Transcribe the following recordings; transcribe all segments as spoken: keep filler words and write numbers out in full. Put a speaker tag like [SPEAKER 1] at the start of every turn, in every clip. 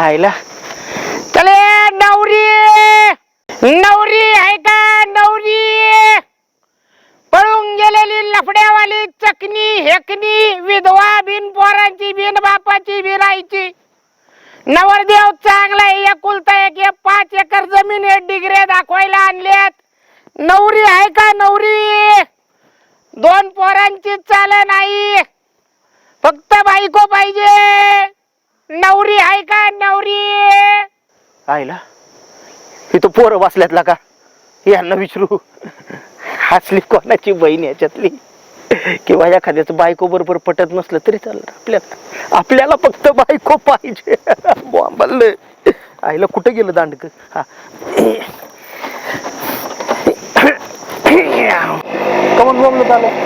[SPEAKER 1] आईला चले नवरी नवरी आहे का नवरी पळून गेलेली लफड्यावाली चकनी हेकनी विधवा बिन पोरांची बिन बापाची बिरायची नवरदेव चांगला आहे एकुलता एक पाच एकर जमीन आहे डिग्रे दाखवायला आणल्यात नवरी आहे का नवरी दोन पोरांची चाल नाही फक्त बायको पाहिजे नवरी आहे का नवरी आईला इथं पोरं बसल्यातला का यांना विचारू हसली कोणाची बहीण याच्यातली किंवा एखाद्याच बायको बरोबर पटत नसलं तरी चालणार आपल्याला आपल्याला फक्त बायको पाहिजे बॉम्बल आईला कुठं गेलं दांडक हा कमन बोंबलं आलं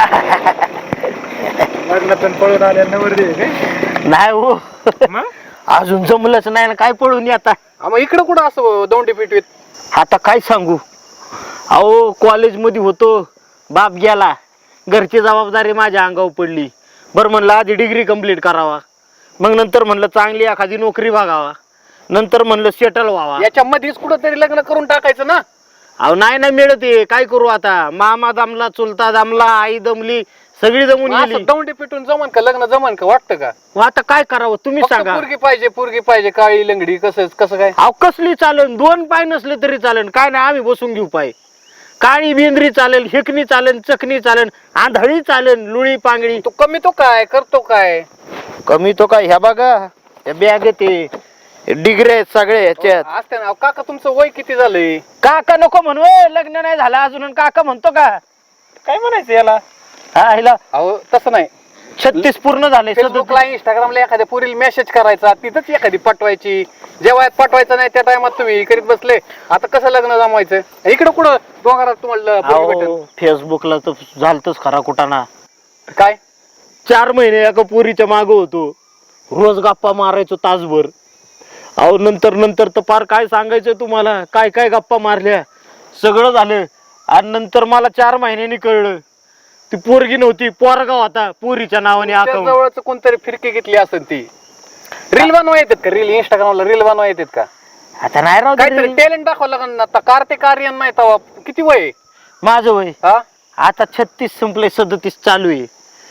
[SPEAKER 2] लग्नातून पळून आल्या नवरदेव
[SPEAKER 1] नाही हो अजून जमलंच नाही ना काय पळून आता
[SPEAKER 2] मग इकडं कुठं असं दोंडी पिटवीत
[SPEAKER 1] आता काय सांगू अहो कॉलेज मध्ये होतो बाप गेला घरची जबाबदारी माझ्या अंगावर पडली बरं म्हणलं आधी डिग्री कंप्लीट करावा मग नंतर म्हणलं चांगली एखादी नोकरी बघावा नंतर म्हणलं सेटल व्हावा
[SPEAKER 2] याच्या मध्येच कुठं तरी लग्न करून टाकायचं ना
[SPEAKER 1] अहो नाही नाही मिळत काय करू आता मामा दमला चुलता दमला आई दमली सगळी जमून गेली
[SPEAKER 2] दौंडी पिटून जमन का लग्न जमन का वाटतं का
[SPEAKER 1] मग आता काय करावं तुम्ही सांगा
[SPEAKER 2] पोरगी पाहिजे पोरगी पाहिजे काळी लंगडी कसं कसं काय
[SPEAKER 1] अहो कसली चालेल दोन पाय नसले तरी चालेल काय नाही आम्ही बसून घेऊ पाय काळी बेंद्री चालेल हेकणी चालेल चकणी चालेल आंधळी चालेल लुळी पांगडी
[SPEAKER 2] तू कमी तो काय करतो काय
[SPEAKER 1] कमी तो काय ह्या बघा बॅग ते डिग्रे आहेत सगळे ह्याच्यात
[SPEAKER 2] असते ना काका तुमचं वय किती झालंय
[SPEAKER 1] काका नको म्हणू लग्न नाही झालं अजून काका म्हणतो का
[SPEAKER 2] काय म्हणायचं याला
[SPEAKER 1] हा ह्याला
[SPEAKER 2] अहो तसं नाही
[SPEAKER 1] छत्तीस पूर्ण झाले
[SPEAKER 2] फेसबुकला इंस्टाग्रामला एखाद्या पुरील मेसेज करायचा तिथंच एखादी पटवायची जेव्हा पटवायचं नाही त्या टायमात तुम्ही करीत बसले आता कसं लग्न जमवायचं इकडं कुठं डोंगरात तुम्हाला पोरगी भेटेल?
[SPEAKER 1] फेसबुकला तर झालतच खरा कुठाना
[SPEAKER 2] काय
[SPEAKER 1] चार महिने एका पोरीच्या मागं होतो रोज गप्पा मारायचो तासभर अहो नंतर नंतर तर फार काय सांगायचं तुम्हाला काय काय गप्पा मारल्या सगळं झालं आणि नंतर मला चार महिन्यांनी कळलं ती पोरगी नव्हती पोरगाव होता पोरीच्या नावाने अकाउंट
[SPEAKER 2] जवळच कोणतरी फिरकी घेतली असेल ती रील बनवा येतात का रील इंस्टाग्रामला रील बनवा येतात का
[SPEAKER 1] आता नाही राव
[SPEAKER 2] काहीतरी टॅलेंट दाखवावं लागेल ना आता कार्तिक आर्यन नाही तवा किती वय आहे?
[SPEAKER 1] माझं वय
[SPEAKER 2] हा
[SPEAKER 1] आता छत्तीस संपले सदतीस चालू आहे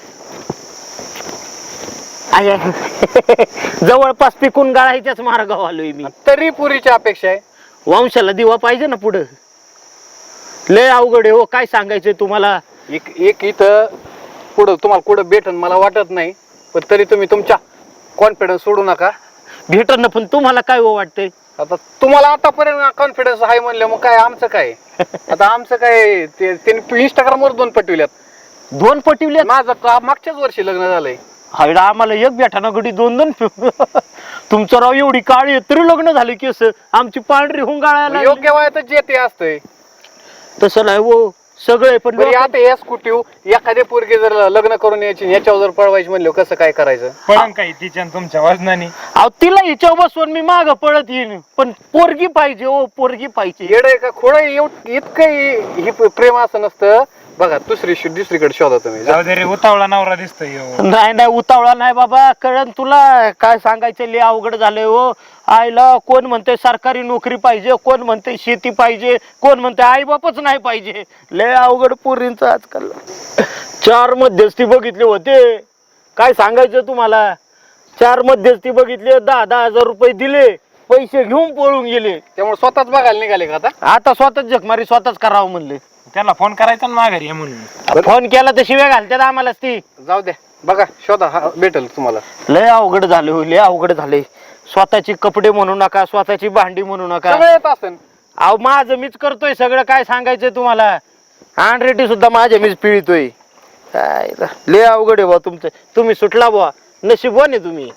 [SPEAKER 1] आहे. जवळपास पिकून गाळायच्याच मार्गावर आलोय मी
[SPEAKER 2] तरी पुरीची अपेक्षा आहे
[SPEAKER 1] वंशाला दिवा पाहिजे ना पुढं लय अवघड आहे हो काय सांगायचंय तुम्हाला
[SPEAKER 2] एक एक इथं पुढं तुम्हाला कुठं भेटन मला वाटत नाही पण तरी तुम्ही तुमच्या कॉन्फिडन्स सोडू नका
[SPEAKER 1] भेटन पण तुम्हाला काय हो वाटतंय
[SPEAKER 2] आता तुम्हाला आतापर्यंत कॉन्फिडन्स आहे म्हणलं मग काय आमचं काय आता आमचं काय ते त्यांनी इंस्टाग्राम वर दोन पटविल्यात
[SPEAKER 1] दोन पटिवले
[SPEAKER 2] माझं का- मागच्याच वर्षी लग्न झालंय
[SPEAKER 1] हायडा आम्हाला एक भेटाना गडी दोन दोन तुमचं राव एवढी काळी आहे, तरी लग्न झाले की असं आमची पांढरी होऊन गाळायला
[SPEAKER 2] योग्य वयातच जे ते असतंय
[SPEAKER 1] तसं नाही हो सगळे पण
[SPEAKER 2] बरं आता या स्कूटी एखाद्या पोरगी जर लग्न करून यायची याच्यावर जर पळवायची म्हणलं कसं काय करायचं
[SPEAKER 3] पळण काही तिच्या आणि तुमच्या वजनाने
[SPEAKER 1] अहो तिला हिच्या बसवून मी माग पळत येईन पण पोरगी पाहिजे हो पोरगी पाहिजे
[SPEAKER 2] येड आहे का खोड इतकं ही प्रेम असं नसतं बघा दुसरी दुसरीकडे शोधा तुम्ही
[SPEAKER 3] जाऊ दे रे उतावळा नवरा दिसतोय ह्यो.
[SPEAKER 1] नाही नाही उतावळा नाही बाबा कळण तुला काय सांगायचं लय अवघड झालंय हो आईला कोण म्हणते सरकारी नोकरी पाहिजे कोण म्हणते शेती पाहिजे कोण म्हणते आई बापच नाही पाहिजे लय अवघड पोरींच आजकाल चार मध्यस्थी बघितले होते काय सांगायचं तुम्हाला चार मध्यस्थी बघितले दहा दहा हजार रुपये दिले पैसे घेऊन पळून गेले
[SPEAKER 2] त्यामुळे स्वतःच बघायला निघाले का आता
[SPEAKER 1] आता स्वतःच जखमारी स्वतःच करावं म्हणले
[SPEAKER 3] त्याला फोन करायचा ना माघारी ये म्हणून
[SPEAKER 1] फोन केला तर शिव्या घालतात आम्हालाच ती
[SPEAKER 2] जाऊ द्या बघा शोधा हा भेटेल तुम्हाला
[SPEAKER 1] लय अवघड झाले हो लय अवघड झाले स्वतःची कपडे म्हणू नका स्वतःची भांडी म्हणू नका
[SPEAKER 2] सगळं येत असेल
[SPEAKER 1] अहो माझं मीच करतोय सगळं काय सांगायचंय तुम्हाला हँडरेटी सुद्धा माझ्या मीच पिळतोय काय लय अवघड आहे बा तुमचं तुम्ही सुटला बुवा नशीबवान आहे तुम्ही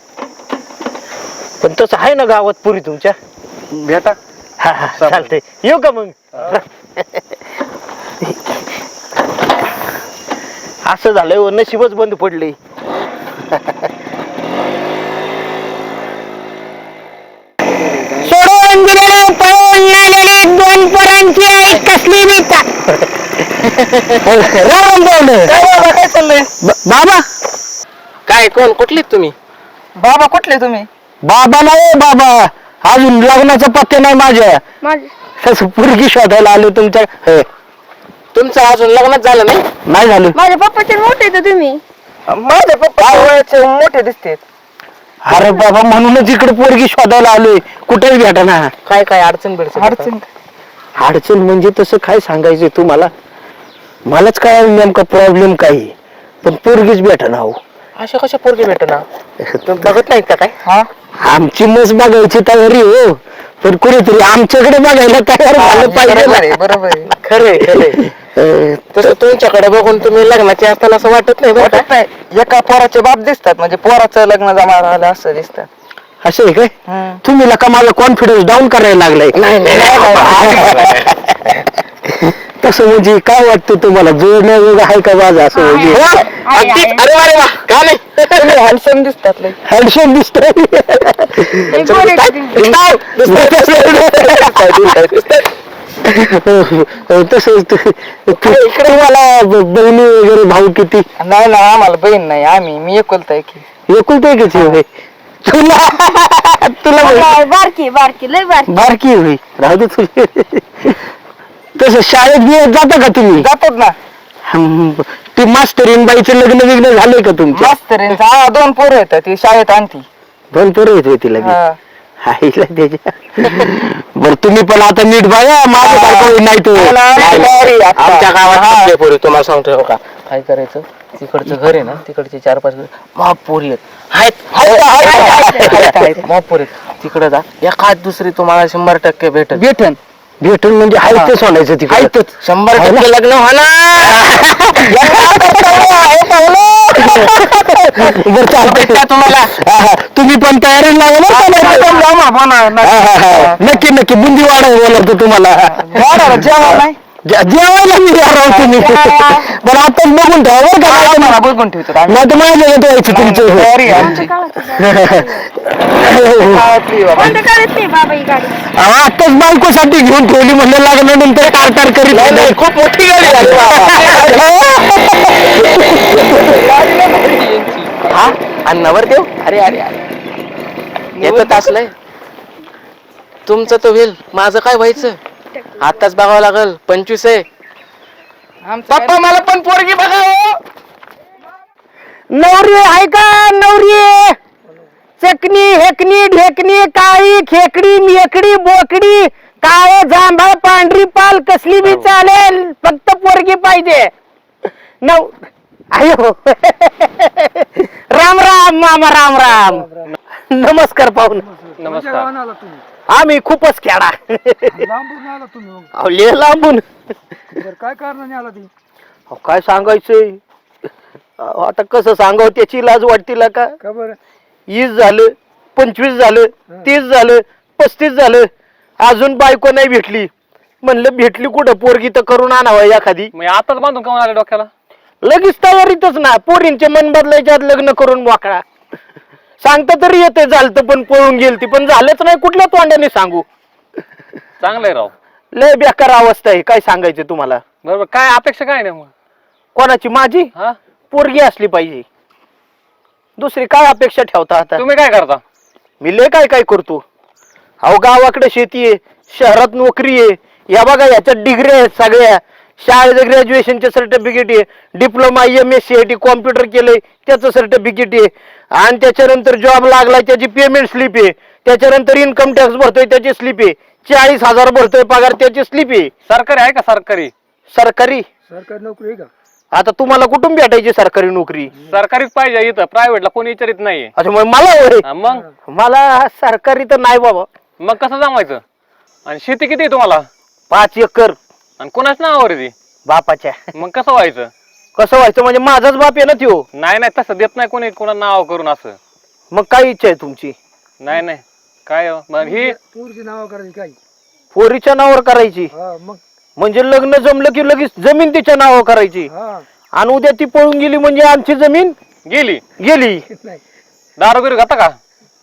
[SPEAKER 1] पण तसं आहे ना गावात पुरी तुमच्या
[SPEAKER 2] भेटा
[SPEAKER 1] हा हा चालतंय येऊ का मग असं झालंय हो नशीबच बंद पडले सोडून दिलेले पळून आलेली दोन पोरांची आई कसली बेता बाबा काय चाललंय बाबा
[SPEAKER 2] काय कोण कुठले तुम्ही
[SPEAKER 4] बाबा कुठले तुम्ही बाबा नाही बाबा, अजून लग्नाचा पत्ते नाही माझ्या. तसं पोरगी शोधायला आलो तुमच्या. हे,
[SPEAKER 1] तुमचं अजून लग्नच झालं नाही?
[SPEAKER 4] नाही झालं.
[SPEAKER 5] माझ्या पप्पाचे मोठे तर तुम्ही
[SPEAKER 1] माझे पप्पा वयाचे मोठे दिसते.
[SPEAKER 4] अरे बाबा, म्हणूनच इकडे पोरगी शोधायला आलोय, कुठेच भेटना.
[SPEAKER 1] काय काय अडचण बिडचण
[SPEAKER 4] अडचण अडचण म्हणजे तसं काय सांगायचं तुम्हाला, मलाच काय नेमका प्रॉब्लेम काय, पण पोरगीच भेटना हो.
[SPEAKER 1] अशा कशा पोरगी भेटना? बघत नाहीत का काय?
[SPEAKER 4] हा, आमची मस बघायची तयारी हो, पण कुणीतरी आमच्याकडे बघायला तयार झालं पाहिजे.
[SPEAKER 1] बरोबर आहे, खरे खरे. तसं तुमच्याकडे बघून तुम्ही लग्नाचे असताना असं वाटत नाही बरं का?
[SPEAKER 6] एका पोराचे बाप दिसतात, म्हणजे पोराचं लग्न जमा राहिलं असं दिसतात.
[SPEAKER 4] असं आहे काय? तुम्ही का माझा कॉन्फिडन्स डाऊन करायला लागलाय?
[SPEAKER 1] नाही नाही
[SPEAKER 4] तसं म्हणजे काय वाटतं तुम्हाला, जोडण्या वेगळं आहे का माझं असं म्हणजे?
[SPEAKER 1] अगदी. अरे वा रे वा, का नाही?
[SPEAKER 6] हॅन्डसम दिसतात लय.
[SPEAKER 4] हॅन्डसम दिसतोय. तसंच इकडे मला बहिणी वगैरे भाऊ किती?
[SPEAKER 6] नाही ना, आम्हाला बहीण नाही, आम्ही मी एकुलता की.
[SPEAKER 4] एकुलते किती होय? तुला तुला बहीण-
[SPEAKER 5] बारकी बारकी लय बारकी.
[SPEAKER 4] बारकी होई, राहू दे तुझे. तसं शाळेत बिळेत जाता का तुम्ही?
[SPEAKER 6] जातात ना.
[SPEAKER 4] हम्म, ती मास्तरीन बाईचं लग्न विग्न झालंय का तुमचं?
[SPEAKER 6] मास्तरींचा हा दोन पोरं येतात, ती शाळेत आणती.
[SPEAKER 4] दोन पोरं येत होती लग्न.
[SPEAKER 6] हा.
[SPEAKER 4] आईला त्याच्या. बरं तुम्ही पण आता नीट बघा, माझं बायको नाही तो.
[SPEAKER 1] आमच्या गावात पोरी तुम्हाला सांगतो हो का,
[SPEAKER 6] काय करायचं, तिकडचं घर आहे ना, तिकडचे चार पाच महापोरी
[SPEAKER 1] आहेत
[SPEAKER 6] आहेत महापोरी तिकडे जा, एखाद दुसरी तुम्हाला शंभर टक्के भेटत.
[SPEAKER 4] भेटन भेटन म्हणजे हायच सोडायचं तिकडे.
[SPEAKER 1] शंभर टक्के लग्न
[SPEAKER 4] बरं चालतंय
[SPEAKER 1] तुम्हाला.
[SPEAKER 4] हा, हा. तुम्ही पण तयारी लागला. नक्की नक्की बुंदी वाढाय बोलतो तुम्हाला.
[SPEAKER 6] जेव्हा नाही
[SPEAKER 4] जे- जेवायला मी राहू तुम्ही. बरं आताच बघून ठेवा बरं का,
[SPEAKER 6] मला बघून ठेवतो.
[SPEAKER 4] नाही तर माझ्या येत व्हायची तुमचं.
[SPEAKER 6] तयारी आहे आमची.
[SPEAKER 5] कोणत्या काळात नाही बाबा ही गाडी?
[SPEAKER 4] आताच बायकोसाठी घेऊन ठेवली म्हणलं, लागल्यानंतर टारटार करीत.
[SPEAKER 1] खूप मोठी गाडी झाली
[SPEAKER 4] हा,
[SPEAKER 1] आणि नवरदेव अरे अरे अरे येतच असलंय तुमचं तर होईल, माझं काय व्हायचं? आताच बघावं लागल. पंचवीस आहे पप्पा, मला पण पोरगी बघा.
[SPEAKER 4] नवरी आहे का नवरी? चकनी हेकनी ढेकणी काळी खेकडी मेकडी बोकडी काळे जांभळ पांढरी पाल कसली बी चालेल, फक्त पोरगी पाहिजे. नव आयो राम राम मामा, राम राम. नमस्कार पाहुण.
[SPEAKER 2] नमस्कार.
[SPEAKER 4] आम्ही खूपच खेळा. अहो, लय लांबून.
[SPEAKER 2] काय कारणाने आला ती?
[SPEAKER 4] अहो, काय सांगायचंय अहो, आता कसं सांगावं, त्याची लाज वाटतील का?
[SPEAKER 2] का बरं?
[SPEAKER 4] वीस झालं, पंचवीस झालं, तीस झालं, पस्तीस झालं, अजून बायको नाही भेटली. म्हणलं भेटली कुठं, पोरगी तर करून आणावं एखादी.
[SPEAKER 2] मी आताच बांधून का आले डोक्याला?
[SPEAKER 4] लगेच तयारीतच ना, पोरींचे मन बदलायच्या आत लग्न करून मोकळा. सांगता तरी येते झालतं, पण पळून गेलती, पण झालंच नाही. कुठल्या तोंडाने सांगू?
[SPEAKER 2] चांगलंय राव.
[SPEAKER 4] लय बेकार अवस्था आहे, काय सांगायचं तुम्हाला.
[SPEAKER 2] बरोबर. काय अपेक्षा काय नाही मग?
[SPEAKER 4] कोणाची? माझी
[SPEAKER 2] हा,
[SPEAKER 4] पोरगी असली पाहिजे, दुसरी काय अपेक्षा ठेवता आता?
[SPEAKER 2] तुम्ही काय करता?
[SPEAKER 4] मी लय काय काय करतो. अहो, गावाकडे शेती आहे, शहरात नोकरी आहे. या बघा, याच्यात डिग्री आहेत सगळ्या, शाळेचं ग्रॅज्युएशनचे सर्टिफिकेट आहे, diploma M S C I T computer केलंय त्याचं सर्टिफिकेट आहे, आणि त्याच्यानंतर जॉब लागलाय त्याची पेमेंट स्लिप आहे, त्याच्यानंतर इन्कम टॅक्स भरतोय त्याची स्लिप आहे, चाळीस हजार भरतोय पगार त्याची स्लिप आहे.
[SPEAKER 2] सरकारी आहे का? सरकारी
[SPEAKER 4] सरकारी
[SPEAKER 2] सरकारी नोकरी आहे का?
[SPEAKER 4] आता तुम्हाला कुठून भेटायची सरकारी नोकरी?
[SPEAKER 2] सरकारीच पाहिजे इथं, प्रायव्हेटला कोणी विचारित नाहीये.
[SPEAKER 4] अच्छा, मग मला होय?
[SPEAKER 2] हा, मग
[SPEAKER 4] मला सरकारी तर नाही बाबा.
[SPEAKER 2] मग कसं जमायचं? आणि शेती किती आहे तुम्हाला?
[SPEAKER 4] पाच एकर.
[SPEAKER 2] आणि कोणाच नावावर आहे ती?
[SPEAKER 4] बापाच्या.
[SPEAKER 2] मग कसं व्हायचं?
[SPEAKER 4] कसं व्हायचं म्हणजे माझाच बाप आहे ना त्यो.
[SPEAKER 2] नाही नाही, तसं देत नाही कोणी कोणा नाव करून असं.
[SPEAKER 4] मग काय इच्छा आहे तुमची?
[SPEAKER 2] नाही नाही, काय हो? मग ही
[SPEAKER 7] पोरची नाव करायची काय?
[SPEAKER 4] पोरीच्या नावावर करायची
[SPEAKER 7] हा मग
[SPEAKER 4] म्हणजे लग्न जमलं की लगेच जमीन तिच्या नावावर करायची,
[SPEAKER 7] हा
[SPEAKER 4] आणि उद्या ती पळून गेली म्हणजे आमची जमीन
[SPEAKER 2] गेली.
[SPEAKER 4] गेली.
[SPEAKER 7] नाही
[SPEAKER 2] दारू बिरू घाता का?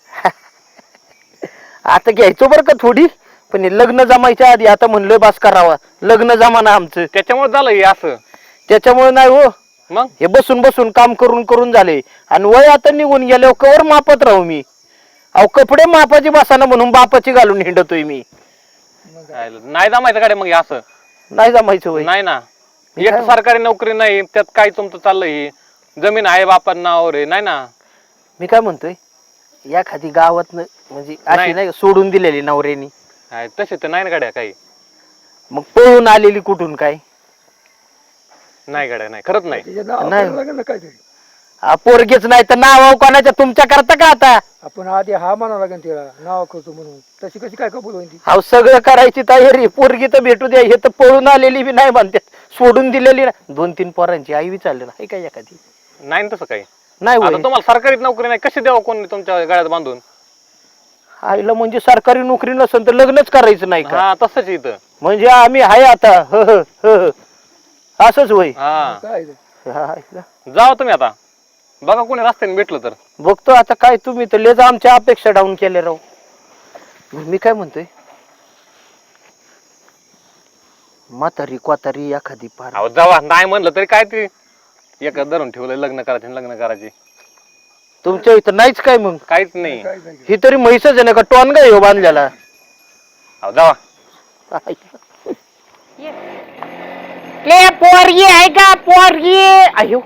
[SPEAKER 4] आता घ्यायचो बरं का थोडी, पण हे लग्न जमायच्या आधी आता म्हणलं बास करावा, लग्न जमाना आमचं.
[SPEAKER 2] त्याच्यामुळे झालं हे असं.
[SPEAKER 4] त्याच्यामुळे नाही हो,
[SPEAKER 2] मग
[SPEAKER 4] हे बसून बसून काम करून करून झाले, आणि वय आता निघून गेल्यावर कवर मापत राहू मी. अहो कपडे मापाची बसाना म्हणून बापाची घालून हिंडतोय मी.
[SPEAKER 2] नाही जमायचं गाड्या मग हे असं
[SPEAKER 4] नाही जमायचं वय.
[SPEAKER 2] नाही ना एक तर सरकारी नोकरी नाही त्यात काय तुमचं चाललंय हे. जमीन आहे बापांना नावावर आहे नाही ना.
[SPEAKER 4] मी काय म्हणतोय या खादी गावात म्हणजे अशी
[SPEAKER 2] नाही.
[SPEAKER 4] नाही का सोडून दिलेली नवऱ्यानी,
[SPEAKER 2] आहे, तसे तर नाही ना गाड्या काही.
[SPEAKER 4] मग पळून आलेली कुठून काय?
[SPEAKER 2] नाही गाड्या नाही खरंच नाही.
[SPEAKER 4] नाही हा, पोरगीच नाही तर नाव कोणाच्या तुमच्या करता का आता?
[SPEAKER 7] आपण आधी हा म्हणावं लागेल तिला नाव करतो म्हणून, तशी कशी काय कबूल होईल ती?
[SPEAKER 4] अहो सगळं करायची तयारी, पोरगी तर भेटू द्या. हे तर पळून आलेली बी नाही म्हणते, सोडून दिलेली ना. दोन तीन पोरांची आई बी चालली ना काय एखादी.
[SPEAKER 2] नाही ना तसं काही.
[SPEAKER 4] नाही
[SPEAKER 2] आता
[SPEAKER 4] होय.
[SPEAKER 2] तुम्हाला सरकारी नोकरी नाही कशी द्यावं कोणी तुमच्या गळ्यात बांधून?
[SPEAKER 4] आईला म्हणजे सरकारी नोकरी नसेल तर लग्नच करायचं नाही का?
[SPEAKER 2] हा तसंच इथं.
[SPEAKER 4] म्हणजे आम्ही आहे आता ह ह ह ह. असंच होय.
[SPEAKER 2] हा
[SPEAKER 7] काय ते?
[SPEAKER 4] हा, आईला.
[SPEAKER 2] जावा तुम्ही आता बघा कोणी रस्त्याने भेटलं तर.
[SPEAKER 4] बघतो आता काय, तुम्ही तर लेजा आमच्या अपेक्षा डाऊन केल्या राव. मी काय म्हणतोय म्हातारी क्वातारी एखादी पार.
[SPEAKER 2] अहो जावा नाही म्हणलं तरी काय ते एका धरून ठेवलंय लग्न करायचे लग्न करायचे.
[SPEAKER 4] तुमच्या इथं नाहीच काय मग?
[SPEAKER 2] काहीच नाही.
[SPEAKER 7] काय नाही.
[SPEAKER 4] ही तरी म्हैसच आहे ना का टोनगा आहे हो बांधलेला?
[SPEAKER 2] अहो जावा.
[SPEAKER 1] ले पोरगी आहे का पोरगी?
[SPEAKER 4] अयो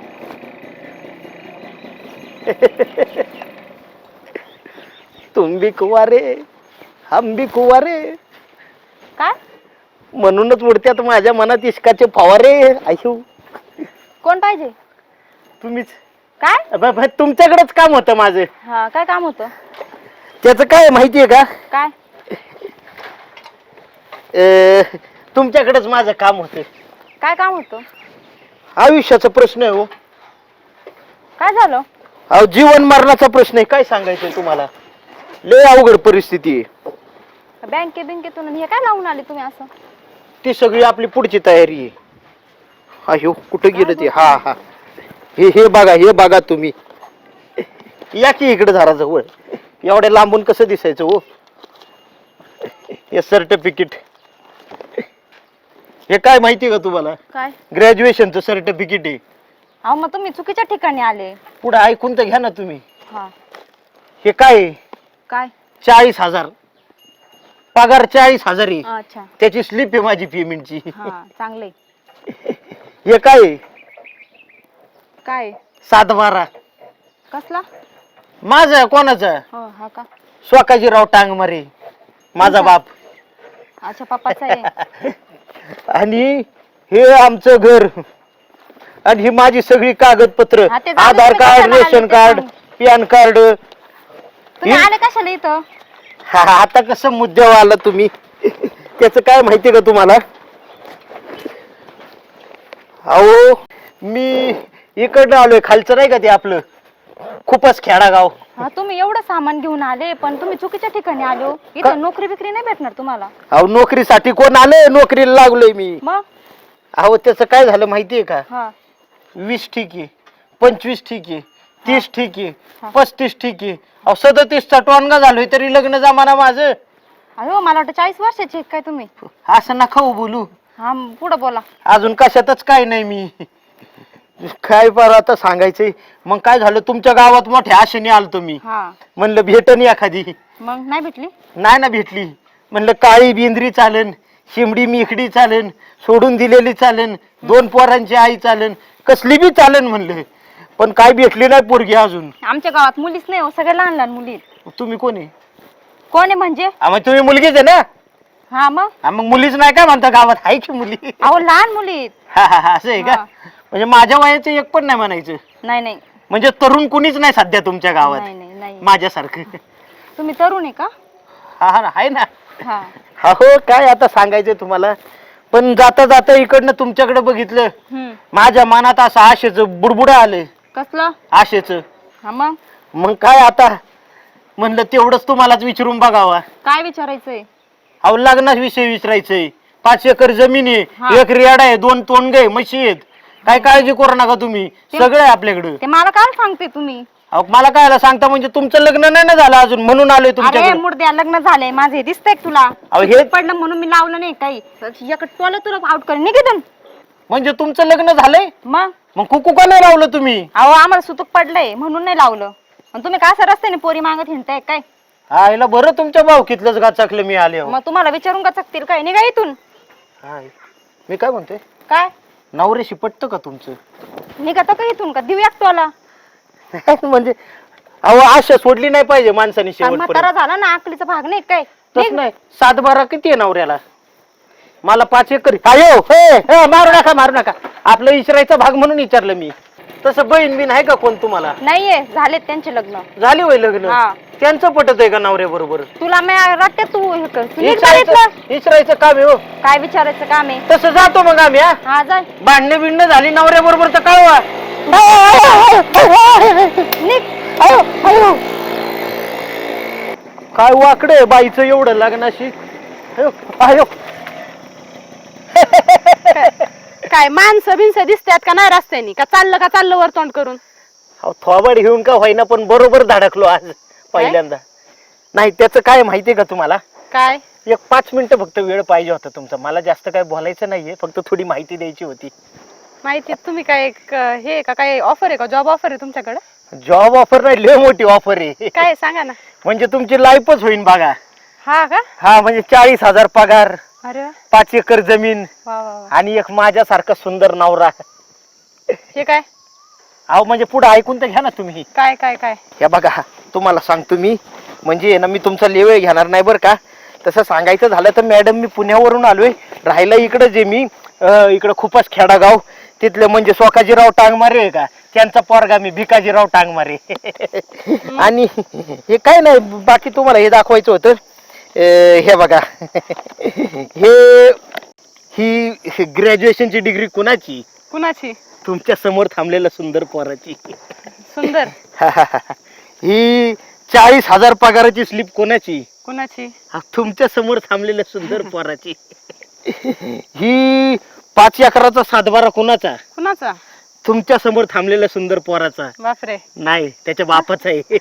[SPEAKER 4] तुम भी कुवारे हम भी कुवारे,
[SPEAKER 5] काय
[SPEAKER 4] म्हणूनच उडत्यात माझ्या मनात इश्काचे फवारे. अयो
[SPEAKER 5] कोण पाहिजे?
[SPEAKER 4] तुम्हीच.
[SPEAKER 5] काय
[SPEAKER 4] ब- ब- तुमच्याकडेच काम होतं माझं.
[SPEAKER 5] हा काय काम होतं?
[SPEAKER 4] त्याचं काय माहितीये का?
[SPEAKER 5] काय
[SPEAKER 4] अं, तुमच्याकडेच माझं काम होतं.
[SPEAKER 5] काय काम होतं?
[SPEAKER 4] आयुष्याचा प्रश्न आहे हो.
[SPEAKER 5] काय झालं?
[SPEAKER 4] अहो जीवन मरणाचा प्रश्न आहे. काय सांगायचंय तुम्हाला, लय अवघड परिस्थिती आहे.
[SPEAKER 5] बँके बँकेतून हे काय लावून आले तुम्ही असं?
[SPEAKER 4] ती सगळी आपली पुढची तयारी आहे. अयो कुठं गेलं ते? हा हा हे हे बघा हे बघा तुम्ही. या की इकडे झारा जवळ. एवढ्या लांबून कसं दिसायचं हो? हे सर्टिफिकेट हे काय माहितीये का तुम्हाला?
[SPEAKER 5] काय?
[SPEAKER 4] ग्रॅज्युएशनचं सर्टिफिकेट आहे.
[SPEAKER 5] अहो मग तुम्ही चुकीच्या ठिकाणी आले.
[SPEAKER 4] पुढे ऐकून तर घ्या ना तुम्ही.
[SPEAKER 5] हा
[SPEAKER 4] हे काय आहे?
[SPEAKER 5] काय?
[SPEAKER 4] चाळीस हजार पगार, चाळीस हजार आहे.
[SPEAKER 5] अच्छा
[SPEAKER 4] त्याची स्लिप आहे माझी पेमेंटची.
[SPEAKER 5] हा चांगले.
[SPEAKER 4] हे काय आहे?
[SPEAKER 5] काय
[SPEAKER 4] सात बारा.
[SPEAKER 5] कसला?
[SPEAKER 4] माझा कोणाचा?
[SPEAKER 5] हो हा का?
[SPEAKER 4] स्वकाजीराव टांगमारे माझा बाप.
[SPEAKER 5] अच्छा पप्पाचा आहे.
[SPEAKER 4] आणि हे आमचं घर आणि ही माझी सगळी कागदपत्र,
[SPEAKER 5] हा, ते जाऊ दे,
[SPEAKER 4] आधार
[SPEAKER 5] तुम्ही
[SPEAKER 4] कार्ड,
[SPEAKER 5] कशाला आले
[SPEAKER 4] रेशन
[SPEAKER 5] ते
[SPEAKER 4] कार्ड,
[SPEAKER 5] सांग.
[SPEAKER 4] PAN card.
[SPEAKER 5] तुम्ही आले कशाला इथं?
[SPEAKER 4] हा, आता कसं मुद्द्यावर आला तुम्ही? त्याच काय माहितीये का तुम्हाला? अहो मी इकडनं आलोय, खालचं नाही का ते आपलं खूपच खेडागाव.
[SPEAKER 5] हा तुम्ही एवढं सामान घेऊन आले पण तुम्ही चुकीच्या ठिकाणी आलो. इथं नोकरी बिकरी नाही भेटणार तुम्हाला.
[SPEAKER 4] अहो नोकरीसाठी कोण आले? नोकरीला लागलोय मी.
[SPEAKER 5] मग
[SPEAKER 4] अहो त्याचं काय झालं माहितीये का?
[SPEAKER 5] हा
[SPEAKER 4] वीस ठीक आहे, पंचवीस ठीक आहे, तीस ठीक
[SPEAKER 5] हा.
[SPEAKER 4] आहे, पस्तीस ठीक आहे. अहो सदतीसचा टोनगा झालोय तरी लग्न जमाना माझं.
[SPEAKER 5] अहो मला वाटतं चाळीस वर्षाची आहे काय तुम्ही?
[SPEAKER 4] असं नका हो बोलू.
[SPEAKER 5] हा पुढं बोला.
[SPEAKER 4] अजून कशातच काय नाही मी. काय बरं आता सांगायचंय. मग काय झालं, तुमच्या गावात मोठ्या आशेने आलतो मी.
[SPEAKER 5] हा
[SPEAKER 4] म्हणलं भेटन एखादी.
[SPEAKER 5] मग नाही भेटली?
[SPEAKER 4] नाही ना भेटली. म्हणलं काळी बेंद्री चालन, शिमडी मिखडी चालन, सोडून दिलेली चालन, दोन पोरांची आई चालन, कसली बी चालन म्हणलं. पण काय भेटली नाही पोरगी अजून.
[SPEAKER 5] आमच्या गावात मुलीच नाही हो, सगळे लहान लहान मुली आहेत.
[SPEAKER 4] तुम्ही कोण आहे?
[SPEAKER 5] कोण आहे म्हणजे?
[SPEAKER 4] हा, मग तुम्ही मुलगीच आहे ना?
[SPEAKER 5] हा मग
[SPEAKER 4] हा, मग मुलीच नाही काय म्हणता गावात? आहे की मुली?
[SPEAKER 5] अहो लहान मुली आहेत.
[SPEAKER 4] हा हा हा, असं आहे का?
[SPEAKER 5] हा.
[SPEAKER 4] म्हणजे माझ्या वयाचं एक पण नाही म्हणायचं.
[SPEAKER 5] नाही नाही
[SPEAKER 4] म्हणजे तरुण कुणीच नाही सध्या तुमच्या गावात
[SPEAKER 5] नाही नाही नाही.
[SPEAKER 4] माझ्यासारखं.
[SPEAKER 5] तुम्ही तरुण आहे का?
[SPEAKER 4] हा हा आहे ना.
[SPEAKER 5] हा
[SPEAKER 4] हा हो, काय आता सांगायचं तुम्हाला. पण जाता जाता इकडनं तुमच्याकडे बघितलं,
[SPEAKER 5] हम्म
[SPEAKER 4] माझ्या मनात असं आशेचं बुडबुड आलं.
[SPEAKER 5] कसलं?
[SPEAKER 4] आशेचं.
[SPEAKER 5] हा मग
[SPEAKER 4] मग काय आता म्हणलं तेवढंच तुम्हालाच विचारून बघावा.
[SPEAKER 5] काय विचारायचंय?
[SPEAKER 4] अहो लग्नाच विषय विचारायचंय. पाच एकर जमीन आहे,
[SPEAKER 5] हा.
[SPEAKER 4] एक रियाड आहे, दोन तोंडगे म्हशी आहेत. काय काळजी करू नका तुम्ही, सगळं आहे आपल्याकडं.
[SPEAKER 5] ते मला काय सांगते तुम्ही?
[SPEAKER 4] अहो मला कायला सांगता, म्हणजे तुमचं लग्न नाही ना झालं अजून म्हणून आलोय
[SPEAKER 5] अरे
[SPEAKER 4] तुमच्याकडे.
[SPEAKER 5] मुर्द्या लग्न झालंय माझे, दिसतंय का तुला?
[SPEAKER 4] अहो हे
[SPEAKER 5] पडलं म्हणून मी लावलं नाही काही. एक टोला तुला आउट कर निघितून.
[SPEAKER 4] म्हणजे तुमचं लग्न झालंय,
[SPEAKER 5] मग
[SPEAKER 4] मग कुकू का नाही लावलं तुम्ही?
[SPEAKER 5] अहो आम्हाला सुतूक पडलंय म्हणून नाही लावलं. आणि तुम्ही काय असं रस्त्याने पोरी मागत हिंडताय काय?
[SPEAKER 4] आईला बरं तुमच्या भावकीतलंच गाचाकलं मी आले हो.
[SPEAKER 5] मग तुम्हाला विचारून का चकतील काय निघा इथून.
[SPEAKER 4] हाय. मी काय म्हणतोय
[SPEAKER 5] काय
[SPEAKER 4] नवऱ्याशी पटतं का तुमचं?
[SPEAKER 5] निघा तर का इथून का देऊ एकटोला.
[SPEAKER 4] म्हणजे अहो आशा सोडली नाही पाहिजे माणसाने
[SPEAKER 5] आणि म्हातारा
[SPEAKER 4] शेवटपर्यंत.
[SPEAKER 5] झाला ना आकलीचा भाग नाही काय.
[SPEAKER 4] तसं नाही सात बारा किती आहे नवऱ्याला? मला पाच एकर आयो हे हे, मारू नका मारू नका आपलं इचरायचा भाग म्हणून विचारलं मी. तसं बहीण बिन आहे का कोण तुम्हाला?
[SPEAKER 5] नाहीये झालेत त्यांचे लग्न.
[SPEAKER 4] झाली वय लग्न?
[SPEAKER 5] हा.
[SPEAKER 4] त्यांचं पटत आहे का नवऱ्या बरोबर?
[SPEAKER 5] तुला मी वाटते तू हे कर तू निघ बरं इथलं.
[SPEAKER 4] इचरायचं काम आहे हो.
[SPEAKER 5] काय विचारायचं काम आहे.
[SPEAKER 4] तसं जातो मग आम्ही हा.
[SPEAKER 5] हा जा
[SPEAKER 4] भांडणे बिंडणं झाली नवऱ्या बरोबर तर कळवा.
[SPEAKER 5] निघ.
[SPEAKER 4] काय वाकडं आहे बाईचं एवढं लग्नाशी. अयो, अयो.
[SPEAKER 8] काय माणसं बिनसं दिसतात का नाही रस्त्यानी का चाललं का चाललं वर तोंड करून.
[SPEAKER 4] अहो, थोबाड घेऊन का होईना पण बरोबर धडकलो आज पहिल्यांदा. नाही त्याचं काय माहितीये का तुम्हाला?
[SPEAKER 8] काय
[SPEAKER 4] एक पाच मिनिटं फक्त वेळ पाहिजे होता तुमचा. मला जास्त काय बोलायचं नाहीये फक्त थोडी माहिती द्यायची होती.
[SPEAKER 8] माहिती तुम्ही काय एक, हे का काय ऑफर आहे का जॉब ऑफर आहे तुमच्याकडे.
[SPEAKER 4] जॉब ऑफर नाही लय मोठी ऑफर आहे.
[SPEAKER 8] काय सांगा ना.
[SPEAKER 4] म्हणजे तुमची लाईफच होईल बघा.
[SPEAKER 8] हा का.
[SPEAKER 4] हा म्हणजे चाळीस हजार पगार,
[SPEAKER 8] अरे वा
[SPEAKER 4] पाच एकर जमीन
[SPEAKER 8] वा वा वा.
[SPEAKER 4] आणि एक माझ्यासारखा सुंदर नवरा.
[SPEAKER 8] हे काय
[SPEAKER 4] अहो म्हणजे पुढे ऐकून तर घ्या ना तुम्ही.
[SPEAKER 8] काय काय काय
[SPEAKER 4] हे बघा तुम्हाला सांगतो मी म्हणजे ना मी तुमचा लेवेळ घेणार नाही बरं का. तसं सांगायचं झालं तर मॅडम मी पुण्यावरून आलोय राहायला इकडं जे मी इकडं खूपच खेडागाव तिथले म्हणजे सोकाजीराव टांगमारे आहे का त्यांचा पोरगा मी भिकाजीराव टांगमारे. आणि हे काय नाही बाकी तुम्हाला हे दाखवायचं होतं. हे बघा हे ही ग्रॅज्युएशनची डिग्री कुणाची?
[SPEAKER 8] कुणाची.
[SPEAKER 4] तुमच्या समोर थांबलेल्या सुंदर पोराची.
[SPEAKER 8] सुंदर.
[SPEAKER 4] ही चाळीस हजार पगाराची स्लिप कोणाची?
[SPEAKER 8] कुणाची.
[SPEAKER 4] तुमच्या समोर थांबलेल्या सुंदर पोराची. ही पाच एकराचा सातबारा कोणाचा?
[SPEAKER 8] कुणाचा.
[SPEAKER 4] तुमच्या समोर थांबलेल्या सुंदर पोराचा.
[SPEAKER 8] बापरे.
[SPEAKER 4] नाही त्याच्या बापाचा आहे.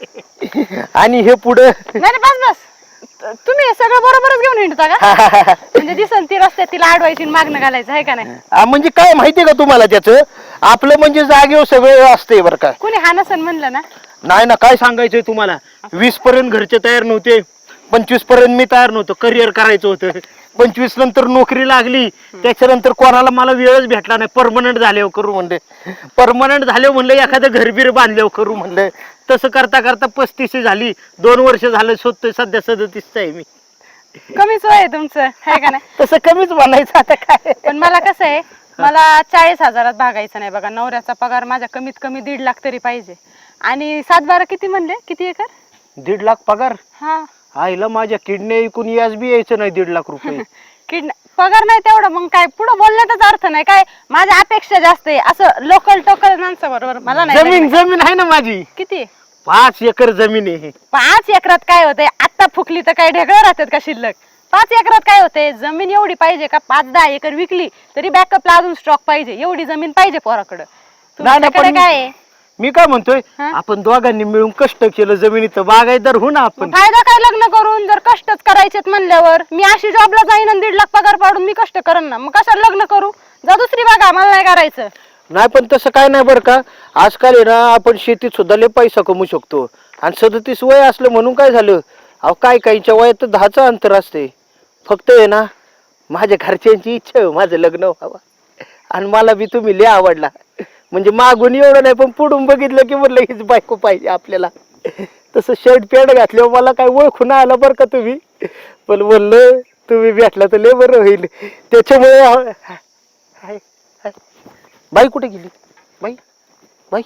[SPEAKER 4] आणि हे पुढं
[SPEAKER 8] नाही नाही, बस बस तुम्ही हे सगळं बरोबरच घेऊन हिंडता का. म्हणजे दिसन ती रस्त्यात तिला अडवायची आणि मागणं घालायचं आहे का नाही.
[SPEAKER 4] आ, म्हणजे काय माहितीये का तुम्हाला त्याचं आपलं म्हणजे जागेवर सगळं असते बरं का.
[SPEAKER 8] कुणी हा नसन म्हणलं ना.
[SPEAKER 4] नाही ना काय सांगायचंय तुम्हाला. वीस पर्यंत घरचे तयार नव्हते, पंचवीस पर्यंत मी तयार नव्हतो. करिअर करायचं होतं. पंचवीस नंतर नोकरी लागली त्याच्यानंतर कोणाला मला वेळच भेटला नाही. परमनंट झाले करू म्हणले. परमनंट झाले म्हणलं एखादं घरबीर बांधले करू म्हणलं. तसं करता करता पस्तीस झाली. दोन वर्ष झालं शोधतोय सध्या सदतीसच आहे मी.
[SPEAKER 8] कमीच वय आहे तुमचं आहे का नाही.
[SPEAKER 4] तसं कमीच म्हणायचं आता काय.
[SPEAKER 8] पण मला कसं आहे मला चाळीस हजारात भागायचं नाही बघा. नवऱ्याचा पगार माझा कमीत कमी दीड लाख तरी पाहिजे. आणि सात बारा किती म्हणले किती एकर.
[SPEAKER 4] दीड लाख पगार.
[SPEAKER 8] हा
[SPEAKER 4] आईला माझ्या किडनी ऐकून याच बी यायचं नाही दीड लाख रुपये.
[SPEAKER 8] किड पगार नाही तेवढा मग काय पुढे बोलण्याचाच अर्थ नाही. काय माझ्या अपेक्षा जास्त आहे असं लोकल टोकल माणसाबरोबर मला नाही
[SPEAKER 4] जमीन
[SPEAKER 8] लग्न.
[SPEAKER 4] जमीन आहे ना माझी
[SPEAKER 8] किती.
[SPEAKER 4] पाच एकर जमीन आहे.
[SPEAKER 8] पाच एकरात काय होतंय आता फुकली तर काय ढेकळं राहतात का शिल्लक. पाच एकरात काय होतंय जमीन एवढी पाहिजे का पाच दहा एकर विकली तरी बॅकअपला अजून स्टॉक पाहिजे. एवढी जमीन पाहिजे पोराकडं.
[SPEAKER 4] नाही, नाही,
[SPEAKER 8] तुमच्याकडे
[SPEAKER 4] पण-
[SPEAKER 8] काय आहे.
[SPEAKER 4] मी काय म्हणतोय
[SPEAKER 8] हा?
[SPEAKER 4] आपण दोघांनी मिळून कष्ट केलं जमिनीचं बागायतदार हो ना आपण.
[SPEAKER 8] फायदा काय लग्न करून जर कष्टच करायचेत म्हणल्यावर. मी अशी जॉबला जाईन आणि दीड लाख पगार पाडून मी कष्ट करेन ना. मग कशाला लग्न करू. जा दुसरी बागा मला नाही करायचं.
[SPEAKER 4] नाही पण तसं काय नाही बरं का. आजकाल आहे ना आपण शेतीत सुद्धा लय पैसा कमवू शकतो. आणि सदतीस वय असलं म्हणून काय झालं. अहो काय काहीच्या वयात तर दहाचं अंतर असते. फक्त आहे ना माझ्या घरच्यांची इच्छा आहे माझं लग्न व्हावं. आणि मला बी तुम्ही लय आवडला. म्हणजे मागून एवढं नाही पण पुढून बघितलं की म्हटलं हीच बायको पाहिजे आपल्याला. तसं शर्ट पॅन्ट घातल्यावर मला काय ओळखून आलं बरं का तुम्ही. पण म्हणलं तुम्ही भेटला तर लय बरं होईल. त्याच्यामुळे हाय हाय बाई कुठे गेली बाई बाई.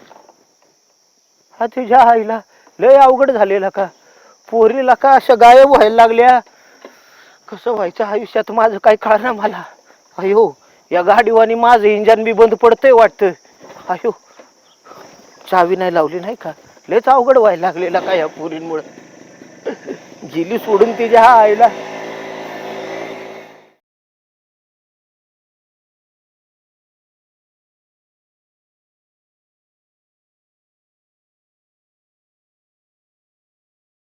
[SPEAKER 4] हा तुझ्या आईला लय अवघड झालेला का. पोरीला का अशा गायब व्हायला लागल्या. कसं व्हायचं आयुष्यात माझं काय कळणार मला. अयो या गाडीवानी माझं इंजन बी बंद पडतंय वाटतं. अयो चावी नाही लावली नाही का. लयच अवघड व्हायला लागलेला का या पोरींमुळे. गेली सोडून तिच्या आईला.